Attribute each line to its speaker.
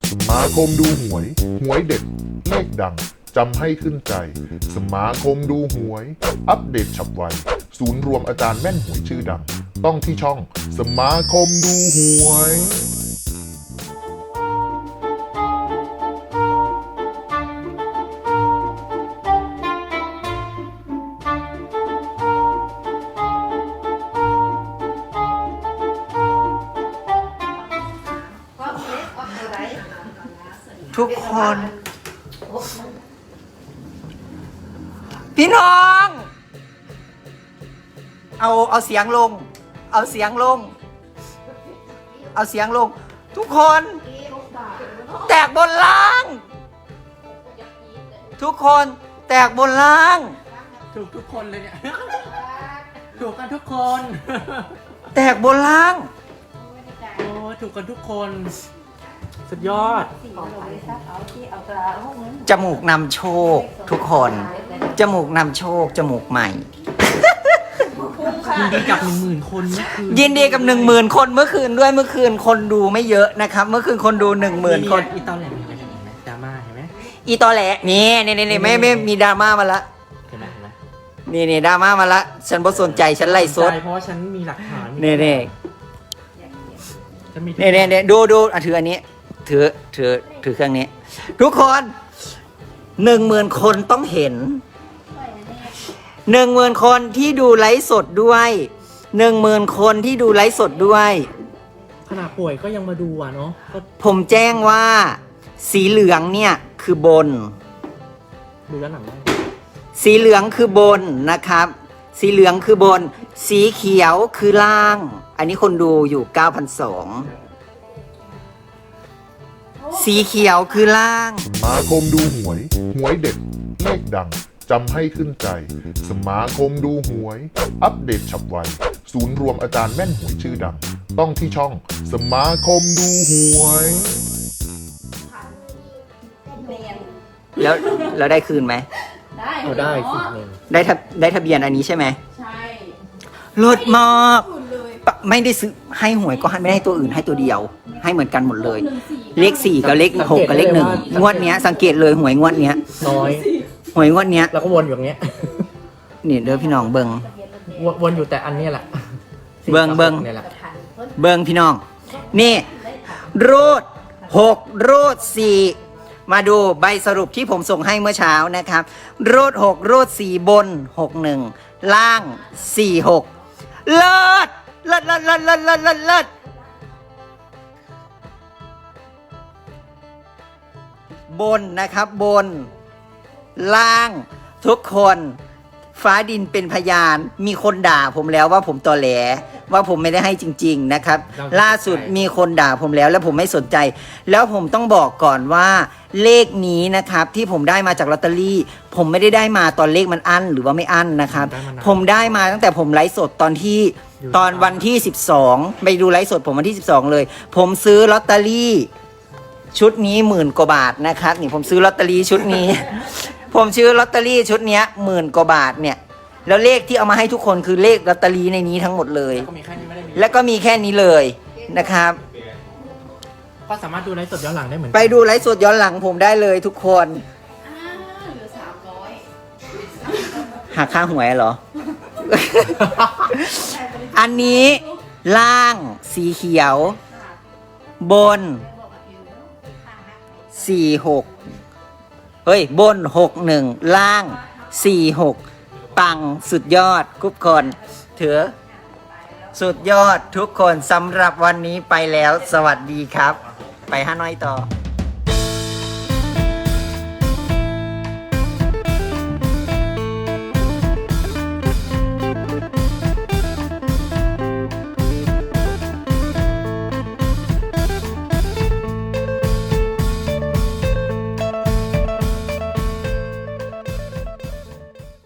Speaker 1: สมาคมดูหวย หวยเด็ด เลขดัง จำให้ขึ้นใจ สมาคมดูหวย อัปเดตฉับไว ศูนย์รวมอาจารย์แม่นหวยชื่อดัง ต้องที่ช่อง สมาคมดูหวย
Speaker 2: ทุกคน พี่น้อง เอาเสียงลง เอาเสียงลง เอาเสียงลง ทุกคน แตกบนล่าง ทุกคนแตกบนล่าง
Speaker 3: ถูกทุกคนเลยเนี่ย ถูกกันทุกคน
Speaker 2: แตกบนล่าง
Speaker 3: โอ้ถูกกันทุกคน สุดยอด
Speaker 2: จมูกนำโชค ทุกคน จมูกนำโชค จมูกใหม่
Speaker 3: ยินดีกับ10,000 คนเมื่อคืน
Speaker 2: ยินดีกับ10,000 คนเมื่อคืนด้วยเมื่อคืนคนดูไม่เยอะนะครับ เมื่อคืนคนดู10,000 คน
Speaker 3: อีตอนแหลมเห็นไหมดราม่าเห็นไหม
Speaker 2: อีตอแหลนี่ไม่มีดราม่ามาละ
Speaker 3: เห็นไหมเห็นไหม
Speaker 2: นี่ดราม่ามาละฉันบ่สนใจฉันไล่สด
Speaker 3: ใช่เพราะว่าฉันมีหลักฐาน
Speaker 2: นี่
Speaker 3: ฉันมี
Speaker 2: ดูอ่ะถืออันนี้ถือเครื่องนี้ ทุกคน10,000 คนต้องเห็น10,000 คนที่ดูไลฟ์สดด้วย10,000 คนที่ดูไลฟ์สดด้วย
Speaker 3: ขนาดป่วยก็ยังมาดูอ่ะเนาะก็
Speaker 2: ผมแจ้งว่าสีเหลืองเนี่ยคือบน
Speaker 3: ดูย้อนหลังได้
Speaker 2: สีเหลืองคือบนนะครับ สีเหลืองคือบน สีเขียวคือล่าง อันนี้คนดูอยู่ 9,200 สีเขียวคือล่าง
Speaker 1: สมาคมดูหวย หวยเด็ด เลขดัง จำให้ขึ้นใจ สมาคมดูหวย อัปเดตฉับไว ศูนย์รวมอาจารย์แม่นหวยชื่อดัง ต้องที่ช่อง สมาคมดูหวย
Speaker 2: แล้วได้คืนไหม
Speaker 4: ได้
Speaker 3: เอาได้สิหนึ่ง
Speaker 2: ได้ทะเบียนอันนี้ใช่ไหม
Speaker 4: ใช่
Speaker 2: ลดมาก
Speaker 4: คุณเลย
Speaker 2: ไม่ได้ซื้อให้หวยก็ให้ไม่ได้ให้ตัวอื่นให้ตัวเดียว ให้เหมือนกันหมดเลย เลข 4 กับเลข 6 กับเลข 1 งวดเนี้ยสังเกตเลยหวยงวดเนี้ย
Speaker 3: น้อย
Speaker 2: หวยงวดเนี้ย
Speaker 3: แล้วก็วนอยู่อย่างเงี้ย
Speaker 2: นี่เด้อพี่น้องเบิง
Speaker 3: วนอยู่แต่อันเนี้ยแหละ
Speaker 2: เบิ่ง
Speaker 3: เนี่ยแหละ
Speaker 2: เบิงพี่น้อง นี่รูด6รูด4มาดูใบสรุปที่ผมส่งให้เมื่อเช้านะครับ รูด6รูด4บน61ล่าง46เลิศบนนะครับบนล่างทุกคนฟ้าดินเป็นพยานมีคนด่าผมแล้วว่าผมตอแหลว่าผมไม่ได้ให้จริงๆนะครับล่าสุดมีคนด่าผมแล้วผมไม่สนใจ แล้วผมต้องบอกก่อนว่าเลขนี้นะครับที่ผมได้มาจากลอตเตอรี่ผมไม่ได้มาตอนเลขมันอั้นหรือว่าไม่อั้นนะครับผมได้มาตั้งแต่ผมไลฟ์สดตอนวันที่12ไปดูไลฟ์สดผมวันที่12เลยผมซื้อลอตเตอรี่ชุดนี้10,000 กว่าบาทนะครับนี่ผมซื้อลอตเตอรี่ชุดนี้ ผมซื้อลอตเตอรี่ชุดเนี้ย10,000 กว่าบาทเนี่ยแล้วเลขที่เอามาให้ทุกคนคือเลขลอตเตอรี่ในนี้ทั้งหมดเลย
Speaker 3: ก็มีแค่นี้ไม่ได้มี
Speaker 2: แล้วก็มีแค่นี้เลยนะครับ
Speaker 3: ก็สามารถดูไลฟ์สดย้อนหลังได้เหมือนกัน
Speaker 2: ไปดูไลฟ์สดย้อนหลังผมได้เลยทุกคน
Speaker 4: เหลือ300
Speaker 2: หักค่าหวยเหรอ อันนี้ล่างสีเขียว บน46เฮ้ยบน61ล่าง46ปังสุดยอดทุกคนเถอะสุดยอดทุกคนสำหรับวันนี้ไปแล้วสวัสดีครับ ไปฮานอยต่อ